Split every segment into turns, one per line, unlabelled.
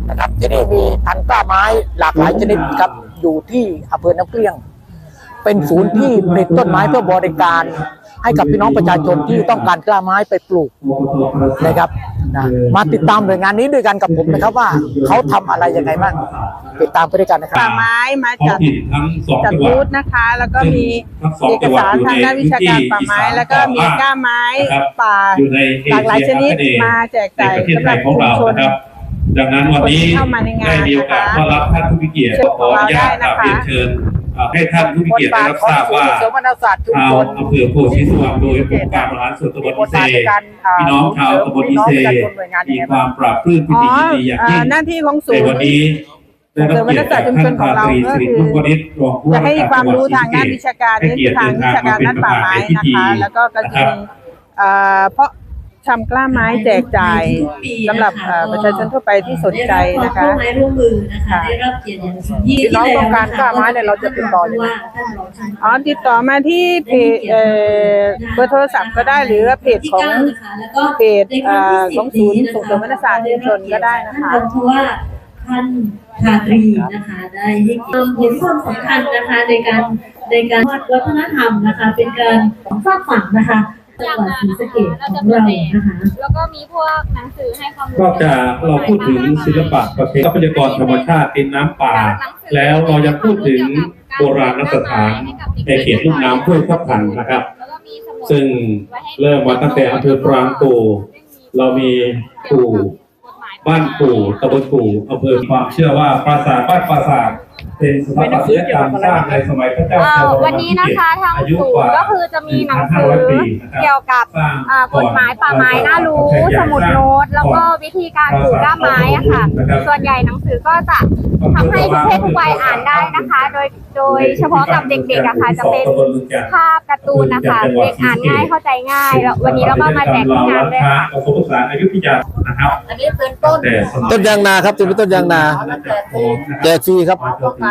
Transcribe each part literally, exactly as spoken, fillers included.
นะครับที่นี่มีพันธุ์กล้าไม้หลากหลายชนิดครับอยู่ที่อำเภอน้ำเกลี้ยงเป็นศูนย์ที่ผลิตต้นไม้เพื่อบริการให้กับพี่น้องประชาชนที่ต้องการกล้าไม้ไปปลูกนะครับนะมาติดตามหน่วยงานนี้ด้วยกันกับผมนะครับว่าเขาทำอะไรยังไงบ้างติดตามไปด้วยกันนะครับ
ป่าไม้มาจัดจัดบูธนะคะ แล้วก็มีเอกสารทางด้านวิชาการป่าไม้แล้วก็มีกล้าไม้ป่าหลากหลายชนิดมาแจกจ่ายสำหรับชุมชน
ดังนั้นวันนี้ได้มีโอกาสต้อนรับท่านผู้มีเกียรติขออนุญาตเรียนเชิญให้ท่านผู้มีเกียรติได้รับทราบว่าชาวอำเภอโพธิสว่างโดยองค์การบริหารส่วนตำบลอิเซพี่น้องชาวตำบลอิเซมีความปราบปลื้มปิติยินดีอย่างยิ่ง
หน้าที่ของศูนย์
วันนี้
ส่งเสริมวัฒนศาสตร์ชุมชนของเราก็คือจะให้ความรู้ทางด้านวิชาการเน้นทางวิชาการด้านป่าไม้นะคะแล้วก็ก็จะมีเพราะทำกล้าไม้แจกจ่ายสำหรับประชาชนทั่วไปที่สนใจนะคะ
ร่วมไม้ร่วมมือนะคะได้รับเกียรติอย่างสูงยิ่ง
พี่น้องต้องการกล้าไม้เนี่ยเราจะติดต่อยังไง
อ๋อติดต่อมาที่เพจเบอร์โทรศัพท์ก็ได้หรือเพจของเพจของศูนย์ส่งเสริมวัฒนศาสตร์ชุมชนก็ได้นะคะ
เพราะว่าท่านชาตรีนะคะได้ให้เห็นความสำคัญนะคะในการในการวัฒนธรรมนะคะเป็นการสร้างฝันนะคะจังหวัดศรีสะเกษของเรานะคะ
แล้วก็มีพวกหนังสือให้ความรู้
นอกจากเราพูดถึงศิลปะประเพณีทรัพยากรธรรมชาติเป็นน้ำป่าแล้วเรายังพูดถึงโบราณสถานในเขตลุ่มน้ำห้วยทับทันนะครับซึ่งเริ่มมาตั้งแต่อำเภอปรางกู่เรามีปู่บ้านปู่ตำบลปู่อำเภอความเชื่อว่าปราสาทบ้านปราสาทเป็นสถาปัตยกรรมสร้างในสมัยพระเจ้าชาว
วันนี้นะคะทางศูนย์ก็คือจะมีหนังสือเกี่ยวกับกฎหมายป่าไม้น่ารู้สมุดโน้ตแล้วก็วิธีการปลูกกล้าไม้อะค่ะส่วนใหญ่หนังสือก็จะทำให้ทุกเพศทุกวัยอ่านได้นะคะโดยโดยเฉพาะกับเด็กๆอะค่ะจะเป็นภาพการ์ตูนนะคะเด็กอ่านง่ายเข้าใจง่ายแล้ววันนี้เราก็มาแจกที่งานด้วยค่ะ
ผสมผสานอยุธยานะครับ
อันนี้เป็นต้น
ต้นยางนาครับจะเป็นต้นยางนาแจกฟรีครับ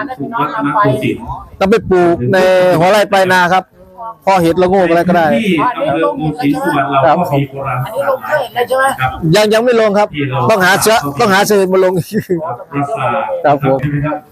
ต้องไปปลูกในหัวไร่ปลายนาครับพอเห็ดละโงกอะไรก็ได้ครับยังยังไม่ลงครับต้องหาเชื้อต้องหาเชื้อมาลงครับผม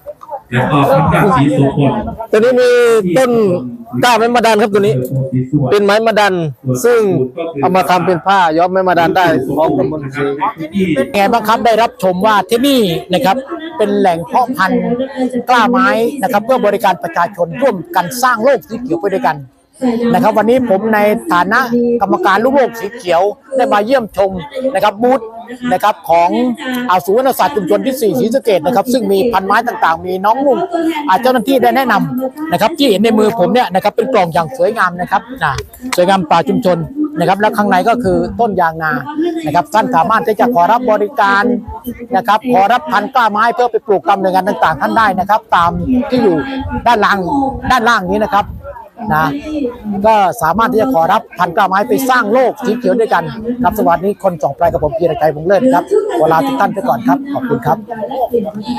ตัวนี้มีต้นกล้าไม้มะดันครับตัวนี้เป็นไม้มะดันซึ่งเอามาทำเป็นผ้าย้อมไม้มะดันได้ของตำบลศรี
ไงบ้างครับได้รับชมว่าที่นี่นะครับเป็นแหล่งเพาะพันธุ์กล้าไม้นะครับเพื่อบริการประชาชนร่วมกันสร้างโลกสีเขียวไปด้วยกันนะครับวันนี้ผมในฐานะกรรมการลูกโลกสีเขียวได้มาเยี่ยมชมนะครับบูธนะครับของอาศูนย์วัฒนศาสตร์ชุมชนที่สี่ศรีสะเกษนะครับซึ่งมีพันไม้ต่างๆมีน้องนุ่งเจ้าหน้าที่ได้แนะนำนะครับที่เห็นในมือผมเนี่ยนะครับเป็นกล่องอย่างสวยงามนะครับนะสวยงามป่าชุมชนนะครับและข้างในก็คือต้นยางนานะครับท่านสามารถที่จะขอรับบริการนะครับขอรับพันธุ์กล้าไม้เพื่อไปปลูกตามหน่วยงานต่างๆท่านได้นะครับตามที่อยู่ด้านล่างด้านล่างนี้นะครับนะก็สามารถที่จะขอรับพันธุ์กล้าไม้ไปสร้างโลกสีเขียวด้วยกันครับสวัสดีคนส่องไพรกับผมพีรชัยวงศ์เลิศครับเวลาทุกท่านไปก่อนครับขอบคุณครับ